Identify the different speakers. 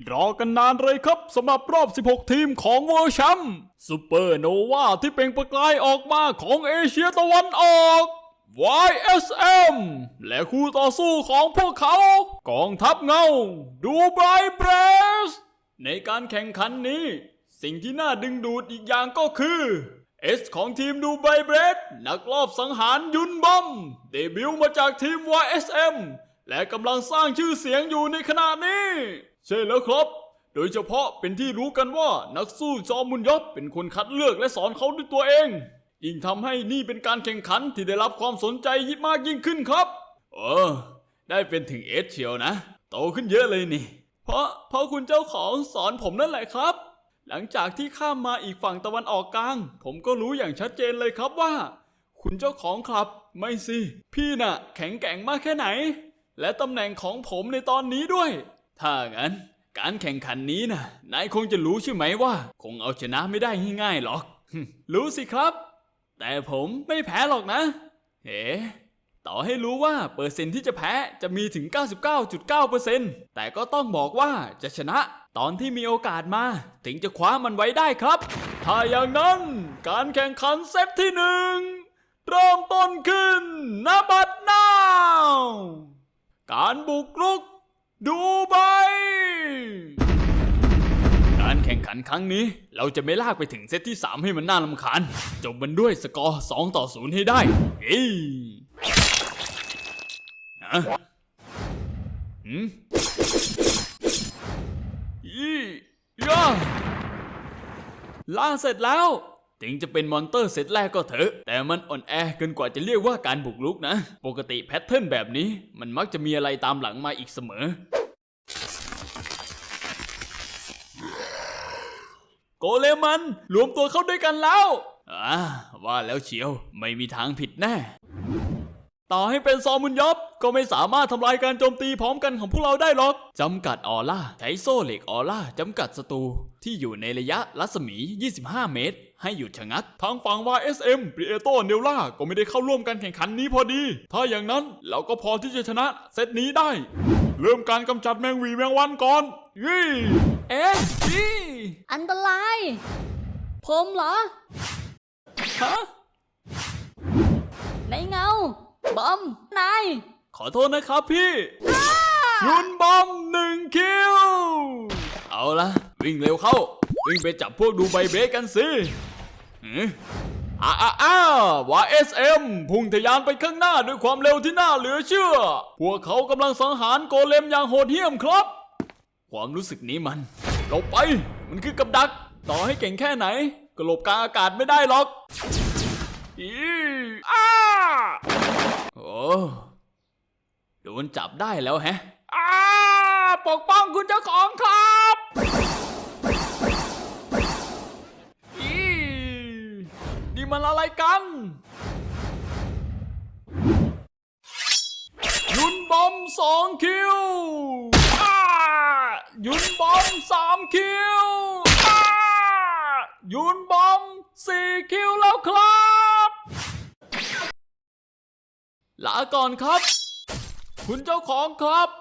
Speaker 1: รอกันนานเลยครับสำหรับรอบ 16 ทีมของเวิลด์แชมป์ซูเปอร์โนวาที่เปล่งประกายออกมาของเอเชียตะวันออก YSM และคู่ต่อสู้ของพวกเขากองทัพเงาดูไบเบรสในการแข่งขันนี้สิ่งที่น่าดึงดูดอีกอย่างก็คือS ของทีมดูไบเบรสนักลอบสังหารยุนบอมเดบิวต์มาจากทีม YSM และกำลังสร้างชื่อเสียงอยู่ในขณะนี้ใช่แล้วครับโดยเฉพาะเป็นที่รู้กันว่านักสู้จอมุนยอบเป็นคนคัดเลือกและสอนเขาด้วยตัวเองยิ่งทำให้นี่เป็นการแข่งขันที่ได้รับความสนใจมากยิ่งขึ้นครับได้เป็นถึงเอสเชียวนะโตขึ้นเยอะเลยนี่เพราะคุณเจ้าของสอนผมนั่นแหละครับหลังจากที่ข้ามมาอีกฝั่งตะวันออกกลางผมก็รู้อย่างชัดเจนเลยครับว่าคุณเจ้าของครับไม่สิพี่น่ะแข็งแกร่งมากแค่ไหนและตำแหน่งของผมในตอนนี้ด้วยถ้างั้นการแข่งขันนี้นะนายคงจะรู้ใช่ไหมว่าคงเอาชนะไม่ได้ง่ายๆหรอก รู้สิครับแต่ผมไม่แพ้หรอกนะต่อให้รู้ว่าเปอร์เซ็นต์ที่จะแพ้จะมีถึง 99.9% แต่ก็ต้องบอกว่าจะชนะตอนที่มีโอกาสมาถึงจะคว้ามันไว้ได้ครับถ้าอย่างนั้นการแข่งขันเซตที่หนึ่งเริ่มต้นขึ้นณบัดนาวการบุกรุกดูไบการแข่งขันครั้งนี้เราจะไม่ลากไปถึงเซตที่3ให้มันน่ารำคาญจบมันด้วยสกอร์2-0ให้ได้ล่าเสร็จแล้วถึงจะเป็นมอนเตอร์เซตแรกก็เถอะแต่มันอ่อนแอเกินกว่าจะเรียกว่าการบุกรุกนะปกติแพทเทิร์นแบบนี้มันมักจะมีอะไรตามหลังมาอีกเสมอโกเลมันรวมตัวเข้าด้วยกันแล้วว่าแล้วเชียวไม่มีทางผิดแน่ต่อให้เป็นซอมุนยอบก็ไม่สามารถทำลายการโจมตีพร้อมกันของพวกเราได้หรอกจำกัดออร่าใช้โซ่เหล็กออร่าจำกัดศัตรูที่อยู่ในระยะรัศมี25 เมตรให้หยุดชะงักทางฝั่ง YSM ปริเอโตเนลล่าก็ไม่ได้เข้าร่วมการแข่งขันนี้พอดีถ้าอย่างนั้นเราก็พอที่จะชนะเซตนี้ได้เริ่มการกำจัดแมงวีแมงวันก่อน
Speaker 2: อันตรายผมเหรอในเงาบอมนาย
Speaker 1: ขอโทษนะครับพี่ยุนบอม1 คิวเอาละวิ่งเร็วเข้าวิ่งไปจับพวกดูไบเบสกันสิYSM พุ่งทะยานไปข้างหน้าด้วยความเร็วที่น่าเหลือเชื่อพวกเขากำลังสังหารโกเลมอย่างโหดเหี้ยมครับความรู้สึกนี้มันหลบไปมันคือกับดักต่อให้เก่งแค่ไหนก็หลบกลางอากาศไม่ได้หรอกโดนจับได้แล้วแฮะปกป้องคุณเจ้าของครับนี่มันอะไรกันยุนบอม2 คิวยุนบอม3 คิวยุนบอม4 คิวแล้วครับลาก่อนครับคุณเจ้าของครับ